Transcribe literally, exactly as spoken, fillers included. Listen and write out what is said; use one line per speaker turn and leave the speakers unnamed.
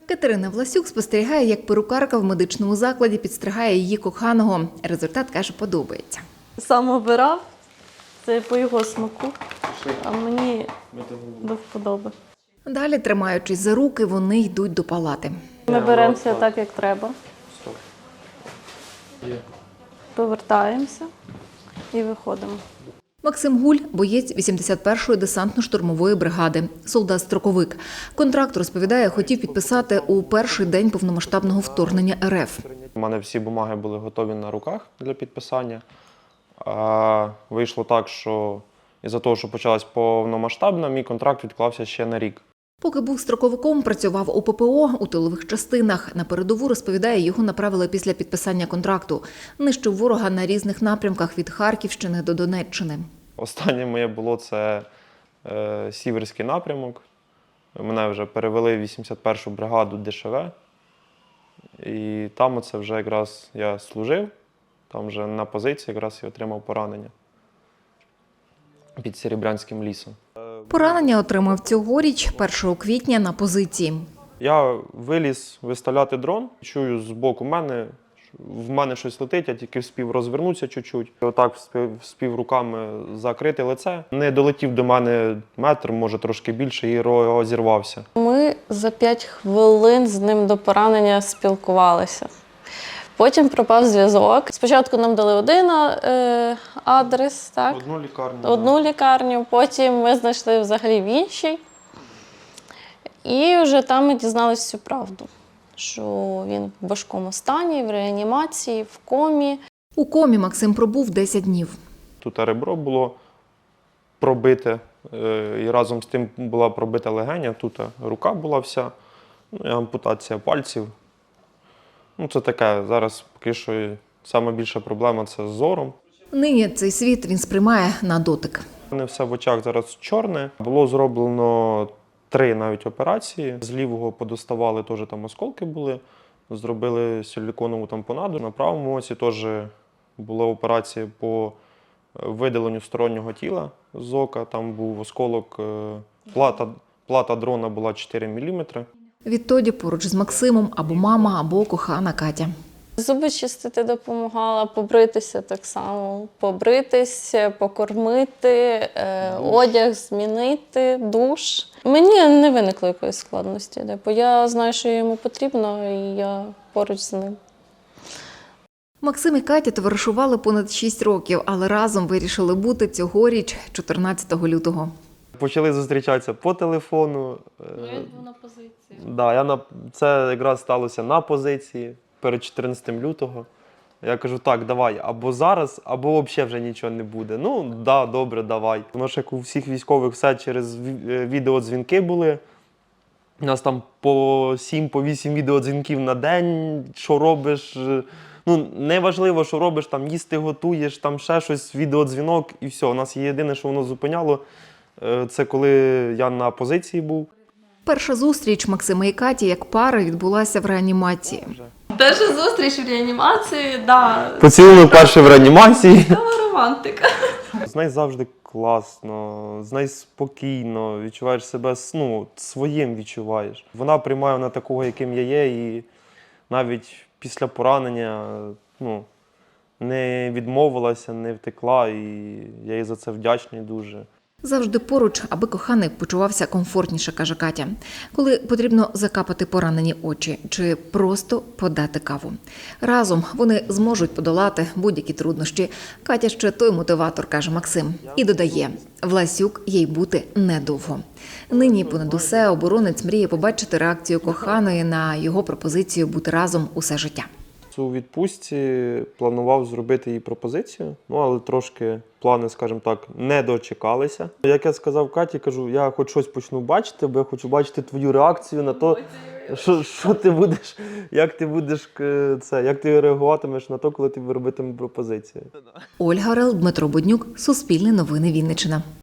Катерина Власюк спостерігає, як перукарка в медичному закладі підстригає її коханого. Результат, каже, подобається.
Сам обирав, це по його смаку, а мені до вподоби.
Далі, тримаючись за руки, вони йдуть до палати.
Ми беремося так, як треба. Повертаємося і виходимо.
Максим Гуль – боєць вісімдесят першої десантно-штурмової бригади, солдат-строковик. Контракт, розповідає, хотів підписати у перший день повномасштабного вторгнення ер еф.
У мене всі бумаги були готові на руках для підписання. А вийшло так, що із-за того, що почалась повномасштабна, мій контракт відклався ще на рік.
Поки був строковиком, працював у пе пе о у тилових частинах. На передову, розповідає, його направили після підписання контракту. Нищив ворога на різних напрямках від Харківщини до Донеччини. Останнє
моє було це е, Сіверський напрямок. Мене вже перевели в вісімдесят першу бригаду де ше ве. І там оце вже якраз я служив. Там вже на позиції якраз я отримав поранення під Серебрянським лісом.
Поранення отримав цьогоріч, першого квітня, на позиції.
Я виліз виставляти дрон, чую збоку мене, в мене щось летить, я тільки вспів розвернутися чуть-чуть. Отак вспів руками закрити лице. Не долетів до мене метр, може трошки більше, і розірвався.
Ми за п'ять хвилин з ним до поранення спілкувалися. Потім пропав зв'язок. Спочатку нам дали один е, адрес, так?
Одну лікарню.
Одну лікарню, потім ми знайшли взагалі в іншій. І вже там ми дізналися всю правду, що він в важкому стані, в реанімації, в комі.
У комі Максим пробув десять днів.
Тут ребро було пробите, і разом з тим була пробита легеня, тут рука була вся, ну, і ампутація пальців. Ну, це таке, зараз поки що найбільша проблема – це з зором.
Нині цей світ він сприймає на дотик.
У мене все в очах зараз чорне. Було зроблено три навіть операції. З лівого подоставали, теж там осколки були. Зробили силіконову тампонаду. На правому оці теж була операція по видаленню стороннього тіла з ока. Там був осколок, плата, плата дрона була чотири міліметри.
Відтоді поруч з Максимом або мама, або кохана Катя.
Зуби чистити допомагала, побритися так само. Побритись, покормити, е, одяг змінити, душ. Мені не виникло якоїсь складності, бо я знаю, що йому потрібно, і я поруч з ним.
Максим і Катя товаришували понад шість років, але разом вирішили бути цьогоріч, чотирнадцятого лютого.
Почали зустрічатися по телефону.
Ну, я був на позиції.
Да, я на... Це якраз сталося на позиції перед чотирнадцятим лютого. Я кажу, так, давай, або зараз, або взагалі вже нічого не буде. Ну, да, добре, давай. Воно ж як у всіх військових все через відеодзвінки були. У нас там по сім, по вісім відеодзвінків на день, що робиш. Ну, неважливо, що робиш, там їсти готуєш, там ще щось, відеодзвінок і все. У нас єдине, що воно зупиняло, це коли я на позиції був.
Перша зустріч Максима і Каті як пари відбулася в реанімації.
Перша зустріч в реанімації, да.
Поцілунок перший в реанімації.
Це романтика.
З нею завжди класно, з нею спокійно, відчуваєш себе, ну, своїм відчуваєш. Вона приймає мене такого, яким я є, і навіть після поранення, ну, не відмовилася, не втекла, і я їй за це вдячний дуже.
Завжди поруч, аби коханий почувався комфортніше, каже Катя. Коли потрібно закапати поранені очі чи просто подати каву. Разом вони зможуть подолати будь-які труднощі. Катя ще той мотиватор, каже Максим. І додає, Власюк їй бути недовго. Нині понад усе оборонець мріє побачити реакцію коханої на його пропозицію бути разом усе життя.
У відпустці планував зробити їй пропозицію, ну, але трошки плани, скажімо так, не дочекалися. Як я сказав Каті, кажу, я хоч щось почну бачити, бо я хочу бачити твою реакцію на те, що, що ти будеш, як ти будеш це, як ти реагуватимеш на те, коли ти робитимеш пропозицію.
Ольга Орел, Дмитро Буднюк, Суспільне новини Вінниччина.